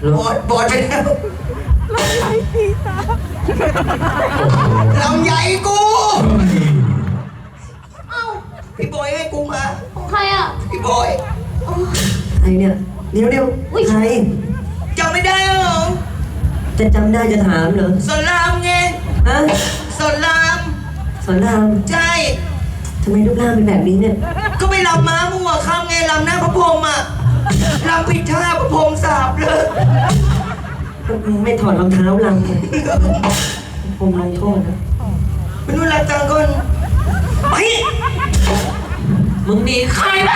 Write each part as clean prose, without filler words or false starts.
บอดไปแล้วลำใหญ่กูเอ้าพี่บอยให้กูมาของใครอ่ะพี่บอยใครเนี่ยเดี๋ยวใครจำไม่ได้เหรอจะจำได้จะถามเหรอสอนรามไงฮะสอนรามใช่ทำไมรูปร่างเป็นแบบนี้เนี่ยก็ไปรำม้ามั่วข้ามไงรำหน้าพระพรหมอ่ะรำผิดท่าพระพรหมสาบเลยไม่ถอดรองเท้ารำเลยผมลงโทษนะเป็นนู่นรักจังก่อนไปมึงหนีใครไป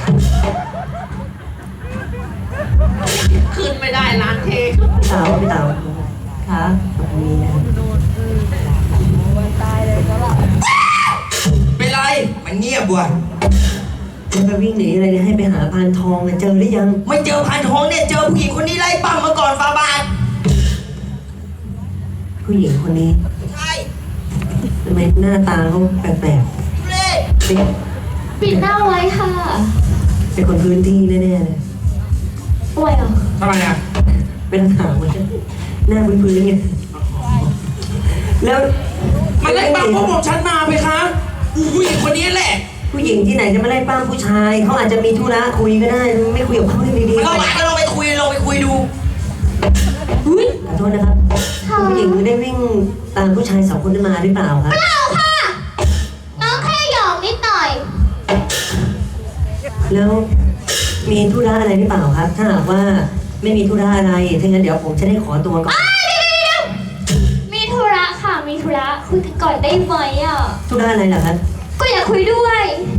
ขึ้นไม่ได้ร้านเทพี่เต๋าค่ะตรงนี้นะเป็นไรมันเงียบว่ะจะไปวิ่งหนีอะไรเนี่ยให้ไปหาพานทองเจอหรือยังไม่เจอพานทองเนี่ยเจอผู้หญิงคนนี้ไล่ปั้มมาก่อนฟาบาทผู้หญิงคนนี้ใช่ทำไมหน้าตาเขาแปลกๆเลยปิดหน้าไว้ค่ะเป็นคนพื้นที่แน่ๆเลยป่วยเหรอทำไมอ่ะเป็นถามมันหน้าพื้นๆไงแล้วมันไล่ปั้มพวกผมฉันมาไหมคะผู้หญิงคนนี้แหละผู้หญิงที่ไหนจะมาไล่ปั้มผู้ชายเขาอาจจะมีธุระคุยก็ได้ไม่คุยกับเขาให้ดีๆเราหมายก็ลองไปคุยดูขอโทษนะครับผู้หญิงได้วิ่งตามผู้ชาย2 คนนั้นมาหรือเปล่าครับเปล่าค่ะน้องแค่หยอกนิดหน่อยแล้วมีธุระอะไรหรือเปล่าครับถ้าหากว่าไม่มีธุระอะไรถ้างั้นเดี๋ยวผมจะได้ขอตัวก่อนมีธุระค่ะมีธุระคุยกันก่อนได้ไหมอ่ะธุระอะไรล่ะครับก็อยากคุยด้วย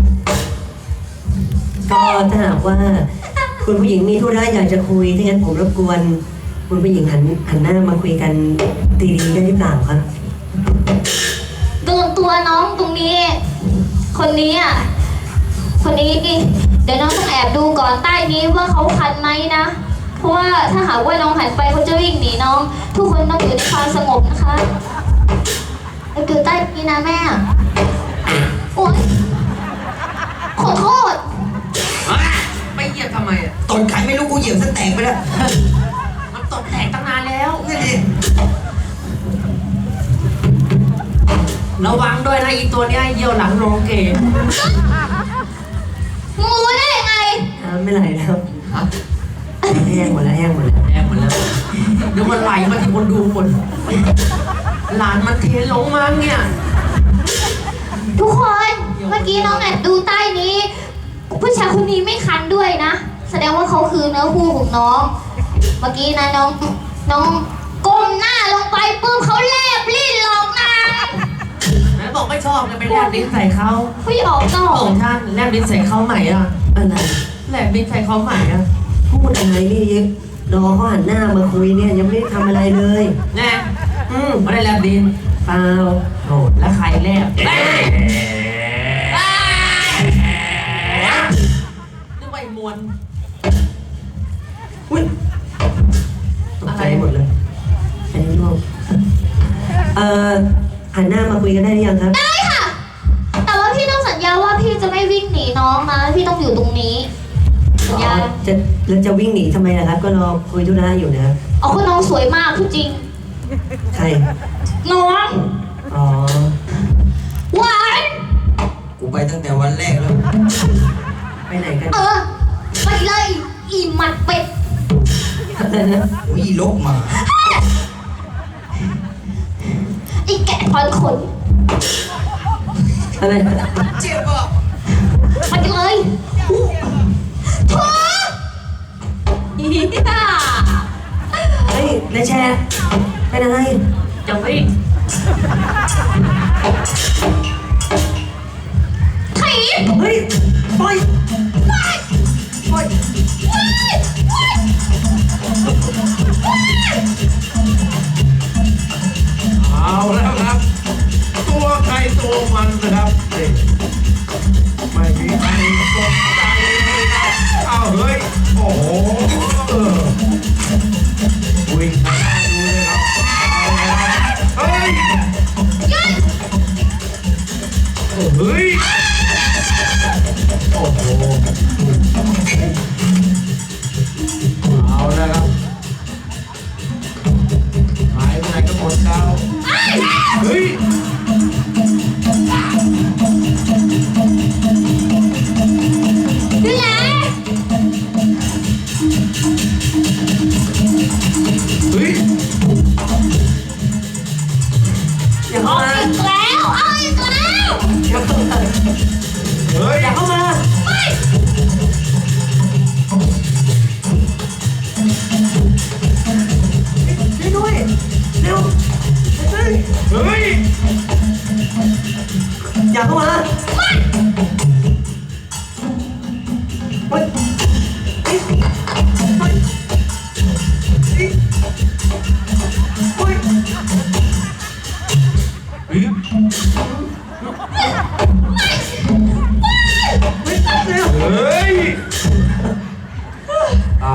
ก็ถ้าหากว่าคุณผู้หญิงมีธุระอยากจะคุยถ้างั้นผมรบกวนคุณผู้หญิงหันหน้ามาคุยกันดีๆได้หรือเปล่าครับโดนตัวน้องตรงนี้คนนี้เดี๋ยวน้องต้องแอบดูก่อนใต้นี้ว่าเขาคันไหมนะเพราะว่าถ้าหากว่าน้องหันไปเขาจะวิ่งหนีน้องทุกคนต้องอยู่ในความสงบนะคะเราอยู่ใต้นี้นะแม่โอ๊ยขอโทษไปเหยียบทำไมอ่ะตดไข่ไม่รู้กูเหยียบซะแตกไปแล้วมันตดแตกตั้งนานแล้วนี่ดิระวังด้วยนะอีตัวเนี้ยเยี่ยวหลังโลเกงูได้ยังไงไม่ไหลแล้วแห้งหมดแล้วเดี๋ยวมันไหลมาที่คนดูหมดหลานมันเทลงมาเนี่ยทุกคนเมื่อกี้น้องแอบดูใต้นี้ผู้ชายคนนี้ไม่คันด้วยนะแสดงว่าเขาคือเนื้อคู่ของน้องเมื่อกี้นะน้องก้มหน้าลงไปปุ๊บเขาแลบลิ้นหลอกนางแล้วบอกไม่ชอบจะไปแลบลิ้นใส่เขาพี่ออกนอกของท่านแลบลิ้นใส่เขาใหม่อ่ะอะไรแลบลิ้นใส่เขาใหม่อ่ะพูดอะไรนี่รอเขาหันหน้ามาคุยเนี่ยยังไม่ได้ทำอะไรเลยแน่ไม่ได้แลบลิ้นเปล่าโหแล้วใครแลบนึกว่าไอ้มวลตกใจหมดเลยอันนี้ลูกหันหน้ามาคุยกันได้หรือยังครับได้ค่ะแต่ว่าพี่ต้องสัญญาว่าพี่จะไม่วิ่งหนีน้องนะพี่ต้องอยู่ตรงนี้สัญญาแล้วจะวิ่งหนีทำไมล่ะครับก็รอคุยธุระอยู่นะครับอ๋อคุณน้องสวยมากทุกจริงใครน้องอ๋อหวานกูไปตั้งแต่วันแรกแล้วไปไหนกันไปเลยอีหมัดเป็ดอีลกมาอีแกะถอนขนอะไรเจ็บอ่ะไปเลยท้อเฮ้ยนายแชร์เป็นอะไรจะวิ่งเฮ้ยปล่อยเอาแล้วครับตัวใครตัวมันนะครับไม่มีใครสนใจเลยครับเอาเฮ้ยโอ้โหวิ่งมาดูเลยครับเอาแล้วเฮ้ยเฮ้ยโอ้โหเอาแล้วครับคนเก่าเฮ้ยดูแลเฮ้ยอย่าเอาเข้ามาอีกแล้วเอาอีกแล้วอย่าเข้ามาเฮ้ยอย่าเข้ามาไม่ช่วยด้วยเร็วเฮ้ยเฮ้ยอย่าเข้ามาเฮ้ยเฮ้ยเฮ้ยเฮ้ยเฮ้ยเฮ้ยเฮ้ยเร็วเฮ้ยอ้าว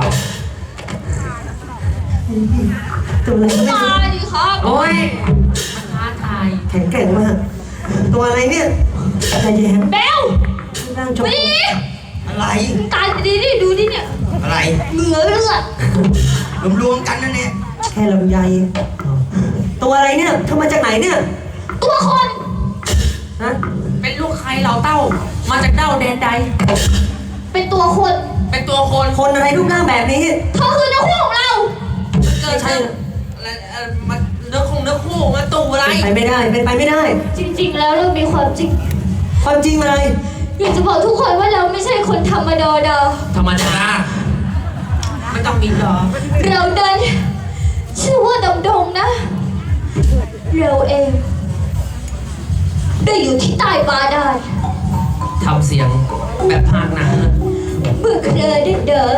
ตัวอะไรก็ไม่มารู้ดิครับโอ้ยมันท้าทายแข็งแกร่งมาก ตัวอะไรเนี่ยใจแย้มเบลร่างชมมาดิอะไรตายดีดิดูดิเนี่ยอะไรเหงื่อเลือดรวมๆกันนั่นเนี่ยแค่ลำไยตัวอะไรเนี่ยเธอมาจากไหนเนี่ยตัวคนฮะเป็นลูกใครเหล่าเต้า มาจากเต้าแดนใดเป็นตัวคนเป็นตัวคนคนอะไรรูปร่างแบบนี้เธอคือนักคู่ของเราเกิดจากอะไรมาเนื้อคู่มาตู่อะไรเป็นไปไม่ได้ เป็นไปไม่ได้จริงๆ แล้วเรามีความจริงความจริงอะไรอยากจะบอกทุกคนว่าเราไม่ใช่คนธรรมดาธรรมดาไม่ต้องมีหรอเราเดินชื่อว่าดำดงนะ เราเองได้อยู่ที่ใต้บาดาลทำเสียงแบบภาคหนังเมื่อเคยได้เด้อ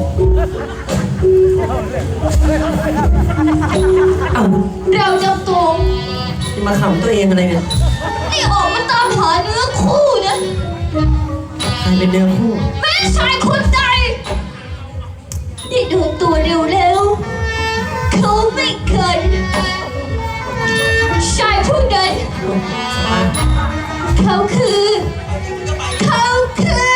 เอ้าเราจำตัวจะมาขำตัวเองอะไรเนี่ยนี่ออกมาตามหาเนื้อคู่นะใครเป็นเนื้อคู่แม่ชายคนใดที่เดินตัวเร็วๆเขาไม่เคยชายผู้ใดเขาคือเขาคือ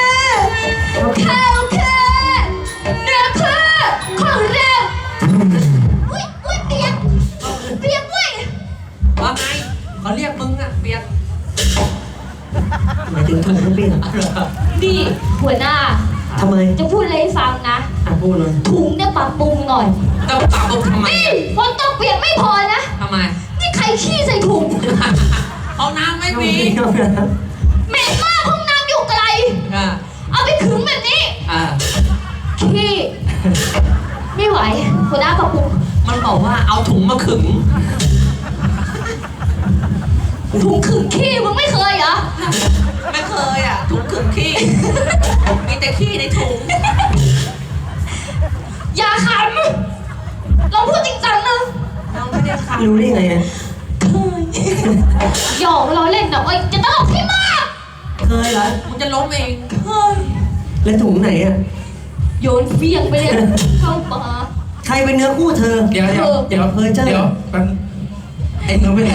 เนื้อคู่ของเราอุ้ยเปียกเว้ยว่าไงเขาเรียกมึงอะเปียกหมายถึงถุงน้ำเปลี่ยนนี่หัวหน้าทำไมจะพูดอะไรให้ฟังนะพูดเลยถุงเนี่ยปรับปรุงหน่อยต้องปรับปรุงทำไมนี่ฝนตกเปียกไม่พอนะทำไมนี่ใครขี้ใส่ถุงเอาน้ำไม่มีเหม็นมากห้องน้ำอยู่ไกลอ่าเอาไปขึงแบบนี้อ่าขี้ ไม่ไหวหัวหน้าปรับปรุงมันบอกว่าเอาถุงมาขึงถุงขึงขี้มึงไม่เคยเหรอไม่เคยอ่ะถุงขึงขี้ มีแต่ขี้ในถุงอย่าขำเราพูดจริงจังนะเราไม่ได้ขับรู้ได้ไงอะเคยหยอกเราเล่นนะเว้ยจะตลกให้มากเคยเหรอมึงจะล้มเองเคยแล้วถุงไหนอะโยนเฟียงไปเลยเข้าป่าใครเป็นเนื้อคู่เธอเดี๋ยวเดี๋ยวเพอเจอเดี๋ยวมันไอ้เนื้อไปไหน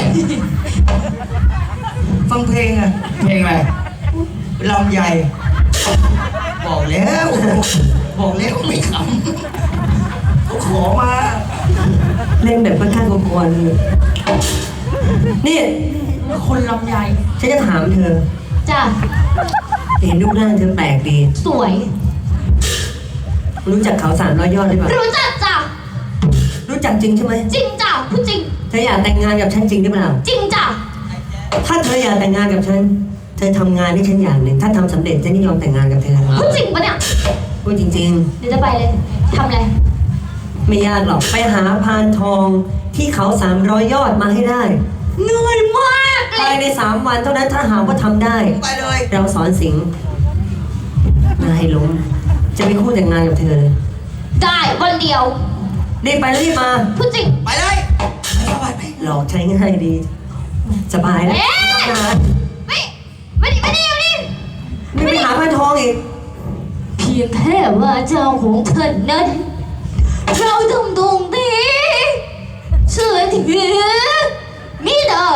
ฟังเพลงอ่ะเพลงอะไรลำใหญ่ บอกแล้ว บอกแล้วไม่ขำเขาขอมาเล่นแบบค่อนข้างกวนๆนี่คนลำใหญ่ฉันจะถามเธอจ้ะเห็นรูปร่างเธอแปลกดีสวยรู้จักเขา300 ยอดหรือเปล่ารู้จักจ้ะรู้จักจริงใช่ไหมจริงจ้ะพูดจริงเธออยากแต่งงานกับฉันจริงหรือเปล่าจริงจ้ะถ้าเธออยากแต่งงานกับฉัน เธอทำงานให้ฉันอย่างหนึ่ง ถ้าทำสำเร็จฉันจะยอมแต่งงานกับเธอพูดจริงปะเนี่ยพูดจริงเดี๋ยวจะไปเลยทำอะไรๆ ไม่ยากหรอก ไปหาพานทองที่เขา300 ยอดมาให้ได้เหนื่อยมากเลภายยใน3 วันเท่านั้นถ้าหากว่าทำได้ไปเลยเราสอนสิงห์นายล้มจะไปคู่แต่งงานกับเธอเลยได้วันเดียวรีบไปรีบมาพูดจริงไปเลยไปไปหลอกใช้ง่ายดี สบายแล้วเอ๊ะไม่ต้องหาไม่ดิไม่ไปหาพานทองอีกเพียงแค่ว่าเจ้าของเธอนั้น เราทำตรงนี้เชื่อถือมิดา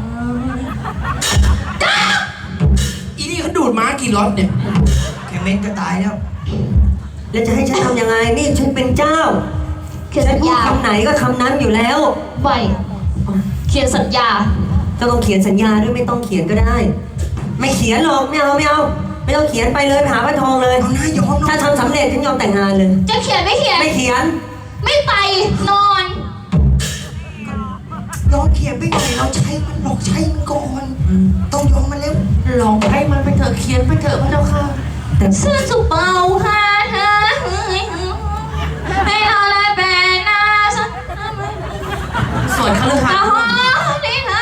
อีนี่เขาดูดม้ากี่ล็อตเนี่ยแค่เม็ดก็ตายแล้วแล้วจะให้ฉันทำยังไง นี่ฉันเป็นเจ้าคือฉัสันญพูดญาคำไหนก็คำนั้นอยู่แล้วไม่เขียนสัญญาต้องเขียนสัญญาด้วยไม่ต้องเขียนก็ได้ ไม่เขียนหรอกไม่เอาไม่ต้องเขียนไปเลยไปหาพระทองเลยเอาหน้ายอมถ้าทำสำเร็จฉันยอมแต่งงานเลยจะเขียนไม่เขียนไม่เขียนไม่ไปนอนยอมเขียนไปหน่อยเราใช้มันหลอกใช้มันก่อนต้องยอมมันเร็วลองให้มันไปเถอะเขียนไปเถอะพระเจ้าค่ะแต่เสื้อสุเปาค่ะเธอให้เราได้เป็นนาสักส่วนคฤหัสตาถ์หอนี่ค่ะ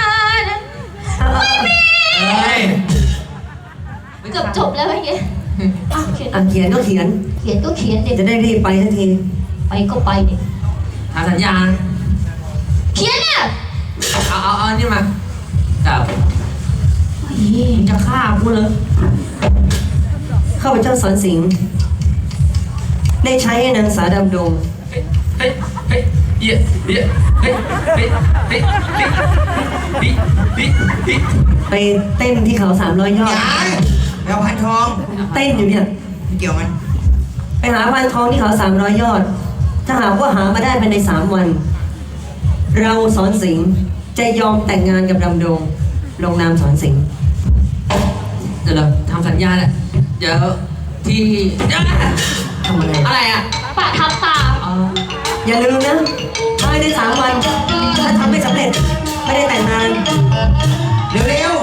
เฮ้ยเกือบจบแล้วเมื่อกี้เขียนเขียนก็เขียนเขียนก็เขียนเด็กจะได้รีบไปทันทีไปก็ไปเด็กหาสัญญาณเขียนเนี่ยเอานี่มาจับมึงจะฆ่ากูเลยข้าพเจ้าสอนสิงห์ได้ใช้ให้นางสาดำดงเฮ้ยเฮ้ยเฮ้ยเฮ้ยเฮ้ยเฮ้ยเฮ้ยเฮ้ยเฮ้ยเฮ้ยเฮ้ยไปเต้นที่เขา300 ยอดยายแมวพันทองเต้นอยู่เนี่ยเกี่ยวมันไปหาพานทองที่เขา300 ยอด ถ้าหากว่าหามาได้ภายใน3 วัน เราสอนสิงห์จะยอมแต่งงานกับดำดง ลงนามสอนสิงห์เดี๋ยวเราทำสัญญาแหละเดี๋ยวที่เดี๋ยวทำอะไรอะไรอ่ะปะทำตามอ๋ออย่าลืมนะภายใน3 วัน ถ้าทำไม่สำเร็จ ไม่ได้แต่งงานเร็ว